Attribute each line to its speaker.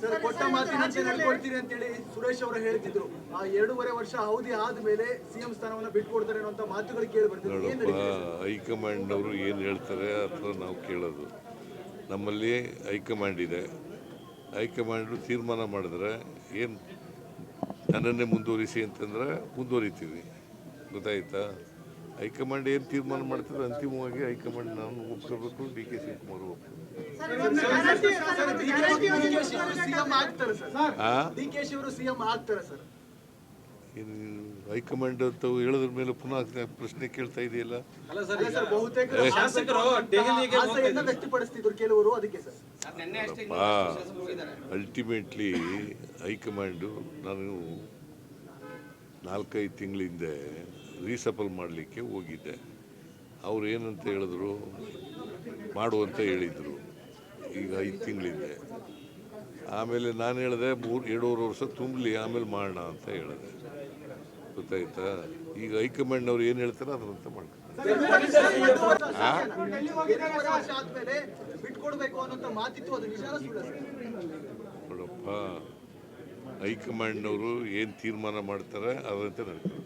Speaker 1: Sir ಕೊಟ್ಟ ಮಾತಿನಂತೆ ನಡ್ಕೊಳ್ತೀರಿ ಅಂತ ಹೇಳಿ ಸುರೇಶ್ ಅವರು ಹೇಳ್ತಿದ್ರು. ಆ 2.5 ವರ್ಷ ಅವಧಿ ಆದ್ಮೇಲೆ ಸಿಎಂ ಸ್ಥಾನವನ್ನ ಬಿಟ್ಕೊಡ್ತಾರೆ ಅನ್ನೋ ಮಾತುಗಳು ಕೇಳಿ ಬರ್ತಿದ್ರು.
Speaker 2: ಹೈಕಮಾಂಡ್ ಅವರು ಏನು ಹೇಳ್ತಾರೆ ಅಥವಾ ನಾವು ಕೇಳೋದು. ನಮ್ಮಲ್ಲಿ ಹೈಕಮಾಂಡ್ ಇದೆ. ಹೈಕಮಾಂಡ್ ತೀರ್ಮಾನ ಮಾಡಿದ್ರೆ ಏನು ನನ್ನನ್ನೇ ಮುಂದುವರಿಸಿ ಅಂತಂದ್ರೆ ಮುಂದುವರಿತೀವಿ. ಗೊತ್ತಾಯ್ತಾ? ಹೈಕಮಾಂಡ್ ಏನು ತೀರ್ಮಾನ ಮಾಡ್ತಿದ್ರೆ ಅಂತಿಮವಾಗಿ ಹೈಕಮಾಂಡ್ ನಾನು ಒಪ್ಕೋಬೇಕು, ಡಿ ಕೆ ಶಿವಕುಮಾರ್ ಒಪ್ಕೋಬೇಕು. ಹೈಕಮಾಂಡ್ ಅಂತ ಹೇಳೋದ್ರ ಮೇಲೆ ಪುನಃ ಪ್ರಶ್ನೆ ಕೇಳ್ತಾ ಇದೆಯಲ್ಲ. ಅಲ್ಟಿಮೇಟ್ಲಿ ಹೈಕಮಾಂಡು ನಾನು 4-5 ತಿಂಗಳ ಹಿಂದೆ ರೀಸಫಲ್ ಮಾಡಲಿಕ್ಕೆ ಹೋಗಿದ್ದೆ. ಅವ್ರು ಏನಂತ ಹೇಳಿದ್ರು, ಮಾಡುವಂತ ಹೇಳಿದರು. ಈಗ 5 ತಿಂಗಳಿಂದೆ. ಆಮೇಲೆ ನಾನು ಹೇಳಿದೆ 2.5 ವರ್ಷ ತುಂಬಲಿ, ಆಮೇಲೆ ಮಾಡೋಣ ಅಂತ ಹೇಳಿದೆ. ಗೊತ್ತಾಯ್ತಾ? ಈಗ ಹೈಕಮಾಂಡ್ನವ್ರು ಏನು ಹೇಳ್ತಾರೆ ಅದರಂತ ಮಾಡ್ತಾರೆ. ನೋಡಪ್ಪ, ಹೈಕಮಾಂಡ್ನವರು ಏನು ತೀರ್ಮಾನ ಮಾಡ್ತಾರೆ ಅದರಂತೆ ನಡ್ತಾರೆ.